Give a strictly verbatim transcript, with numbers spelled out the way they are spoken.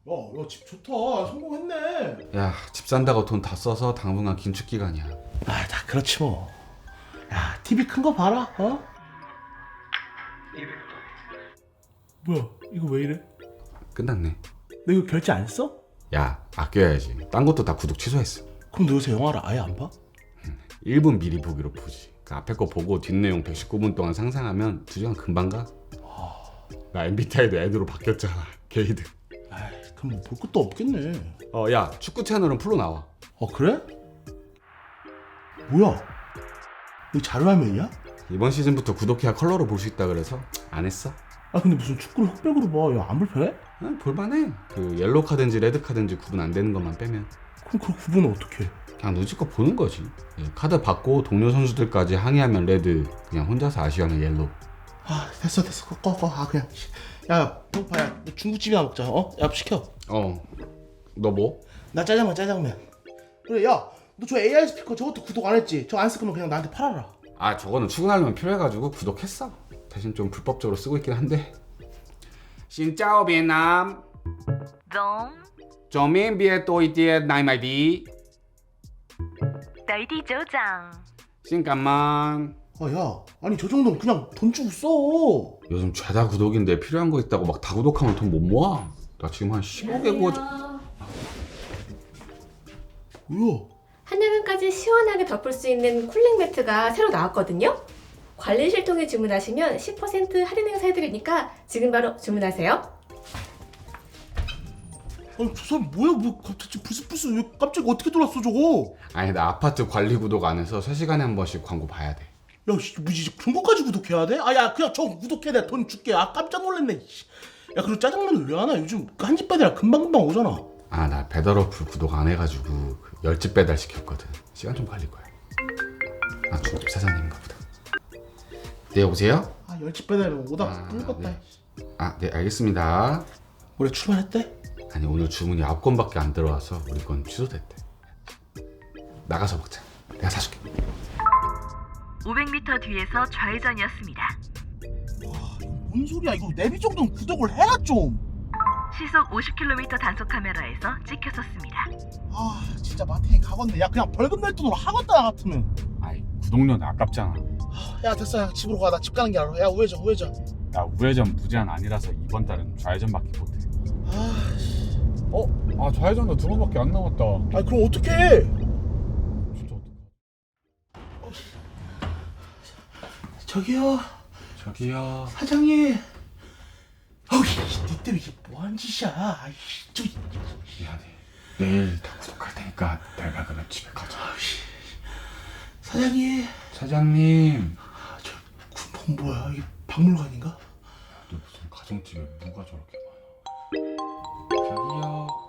야, 야, 집 좋다. 성공했네. 야, 집 산다고 돈 다 써서 당분간 긴축 기간이야. 아, 다 그렇지 뭐. 야, 티비 큰 거 봐라. 어? 뭐야? 이거 왜 이래? 끝났네. 너 이거 결제 안 했어? 야, 아껴야지. 딴 것도 다 구독 취소했어. 그럼 너 요새 영화를 아예 안 봐? 일 분 미리 보기로 보지. 그 앞에 거 보고 뒷내용 백십구 분 동안 상상하면 두 시간 금방 가. 나 엠비티아이도 애드로 바뀌었잖아. 게이드. 아이, 그럼 뭐 볼 것도 없겠네. 어, 야, 축구 채널은 풀로 나와. 어, 그래? 뭐야? 이거 자료화면이야? 이번 시즌부터 구독해야 컬러로 볼 수 있다 그래서 안 했어. 아, 근데 무슨 축구를 흑백으로 봐. 야, 안 불편해? 아, 볼만해. 그 옐로우 카든지 레드 카든지 구분 안 되는 것만 빼면 그럼 그 구분은 어떻게 해? 그냥 눈치껏 보는 거지. 예, 카드 받고 동료 선수들까지 항의하면 레드, 그냥 혼자서 아쉬워하면 옐로우. 아, 됐어 됐어. 꺼 꺼. 꺼. 아, 그냥. 야, 배고파. 야, 너 중국집이나 먹자. 어? 야, 시켜. 어, 너 뭐? 나 짜장면 짜장면. 그래, 야, 너 저 에이아이 스피커 저것도 구독 안 했지? 저거 안 쓸 거면 그냥 나한테 팔아라. 아, 저거는 출근하려면 필요해가지고 구독했어. 대신 좀 불법적으로 쓰고 있긴 한데. 신짜오 베트남. Giống, 左面别多一点奶麦迪. tới đi chỗ rằng. 잠깐만. 아, 야, 아니 저 정도는 그냥 돈 주고 써. 요즘 죄다 구독인데 필요한 거 있다고 막 다 구독하면 돈 못 모아. 나 지금 한 십오 개 구독. 뭐야? 한여름까지 시원하게 덮을 수 있는 쿨링 매트가 새로 나왔거든요. 관리실 통해 주문하시면 십 퍼센트 할인 행사 해드리니까 지금 바로 주문하세요. 아니 저 사람 뭐야? 뭐 갑자기 불스불스 왜 갑자기 어떻게 들어왔어 저거? 아니, 나 아파트 관리 구독 안 해서 세 시간에 한 번씩 광고 봐야 돼. 야, 씨, 뭐지? 그런 것까지 구독해야 돼? 아, 야, 그냥 저 구독해. 내가 돈 줄게. 아, 깜짝 놀랐네. 씨. 야, 그리고 짜장면을 왜 하나? 요즘 한 집 배달 금방금방 오잖아. 아, 나 배달 어플 구독 안 해가지고 그 열집 배달 시켰거든. 시간 좀 걸릴 거야. 아, 중집 사장님인가 보다. 네, 여보세요? 아, 열집 배달은 오다가 아, 꿀꺽다. 네. 아, 네, 알겠습니다. 올해 출발했대? 아니, 오늘 주문이 아홉 건밖에 안 들어와서 우리 건 취소됐대. 나가서 먹자. 내가 사줄게. 오백 미터 뒤에서 좌회전이었습니다. 뭔 소리야? 이거 내비 정도는 구독을 해라 좀. 시속 오십 킬로미터 단속 카메라에서 찍혔었습니다. 아, 진짜 마탱이 가건네. 야, 그냥 벌금 낼 돈으로 하겠다 나 같으면. 아이, 구독료는 아깝잖아. 야, 됐어. 야, 집으로 가. 나 집 가는 게 알아. 야, 우회전, 우회전. 나 우회전 무제한 아니라서 이번 달은 좌회전밖에 못해. 아, 씨. 어? 아, 좌회전도 두 번밖에 안 남았다. 아, 그럼 어떡해? 진짜 어떡해. 저기요, 저기요. 사장님. 어이, 니 때문에 이게 뭐한 짓이야? 아이씨, 저. 미안해. 내일 다 구독할 테니까 내가 그냥 집에 가자. 사장님. 사장님. 아, 저 군폰 뭐야? 이게 박물관인가? 너 무슨 가정집에 무가 저렇게 많아. 저기요.